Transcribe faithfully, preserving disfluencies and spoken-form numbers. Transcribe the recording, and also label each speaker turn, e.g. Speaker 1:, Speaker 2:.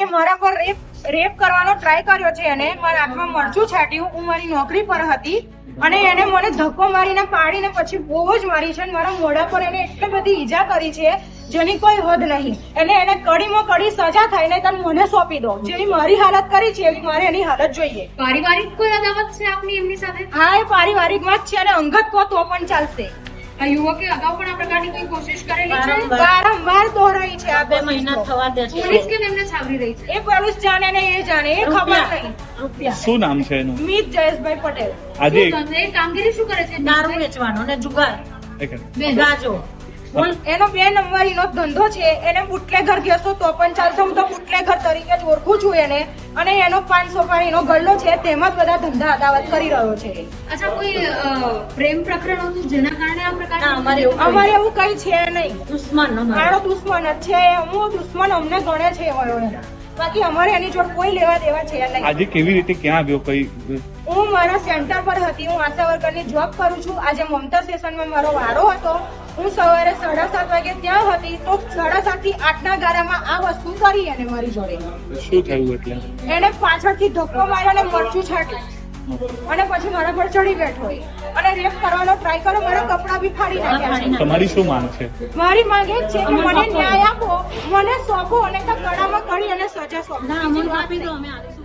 Speaker 1: મારા પર rape rape કરવાનો ટ્રાય કર્યો છે એને મારા હાથમાં મરચું છાટ્યું હું મારી નોકરી પર હતી અને એને મને ધક્કો મારીને પાડીને પછી બહુ જ મારી છે મારા મોઢા પર એને એટલી બધી ઈજા કરી છે જેની કોઈ હદ નહીં એટલે એને કડીમાં કડી સજા થાય ને તમે મને સોંપી દો જેની મારી હાલત કરી છે એવી મારે એની હાલત જોઈએ
Speaker 2: પારિવારિક કોઈ અદાવત છે આપની એમની સાથે?
Speaker 1: હા એ પારિવારિકમાં જ છે અને અંગત કહો તો પણ ચાલશે
Speaker 2: આ યુવકે અગાઉ પણ આ પ્રકારની કોઈ કોશિશ કરેલી છે?
Speaker 1: વારંવાર દોહરાઈ છે આ
Speaker 3: બે મહિના થવા દે છે
Speaker 2: પોલીસ કેમ એમને છાવરી રહી છે?
Speaker 1: એ પોલીસ જાણે ને એ જાણે એ ખબર નહીં
Speaker 3: રૂપિયા
Speaker 4: શું નામ છે એનું?
Speaker 1: મીત જયેશભાઈ પટેલ
Speaker 4: આજે
Speaker 2: શું તમને એ કામગીરી શું કરે છે?
Speaker 3: દારૂ વેચવાનો ને જુગાર
Speaker 4: એક
Speaker 2: બેન,
Speaker 3: ગાજો
Speaker 1: એનો બે નંબરીનો ધંધો છે એને બુટલેઘર કહેશો તો પણ ચાલશે હું તો બુટલેઘર તરીકે જ ઓળખું છું એને અને એનો પાંચસો પાણીનો ગલ્લો છે તેમાં જ બધા ધંધા અદાવત કરી રહ્યો છે
Speaker 2: અચ્છા કોઈ અ, પ્રેમ પ્રકરણ હતું જેના કારણે આ
Speaker 3: ના,
Speaker 2: પ્રકારની
Speaker 3: અમારે એવું
Speaker 1: અમારે એવું કઈ છે નહીં
Speaker 3: દુશ્મન અમારો
Speaker 1: મારો દુશ્મન જ છે હું દુશ્મન અમને ગણે છે એવો એનો. બાકી અમારે એની જોડે કોઈ લેવા દેવા છે નહીં
Speaker 4: આજે કેવી રીતે ક્યાં આવ્યો કઈ?
Speaker 1: હું મારા સેન્ટર પર હતી હું આશા વર્કરની જોબ કરું છું આજે મમતા સ્ટેશનમાં મારો વારો હતો હું સવારે સાડા સાત વાગે ત્યાં હતી તો સાડા સાત થી આઠ ના ગાળામાં આ વસ્તુ કરી એને મારી જોડે
Speaker 4: શું થયું એટલે?
Speaker 1: એને પાછળથી ધક્કો માર્યો અને મરચું છાટ્યું અને પછી મારા પર ચડી બેઠો એ. અને રેપ કરવાનો ટ્રાય કર્યો મારા કપડાં બી ફાડી નાખ્યા છે.
Speaker 4: તમારી શું માંગ છે?
Speaker 1: મારી માંગ એ જ છે કે મને ન્યાય આપો મને સોંપો અને તો કડામાં કરી અને સજા સોંપો
Speaker 3: ના અમને આપી દો અમે આવીશું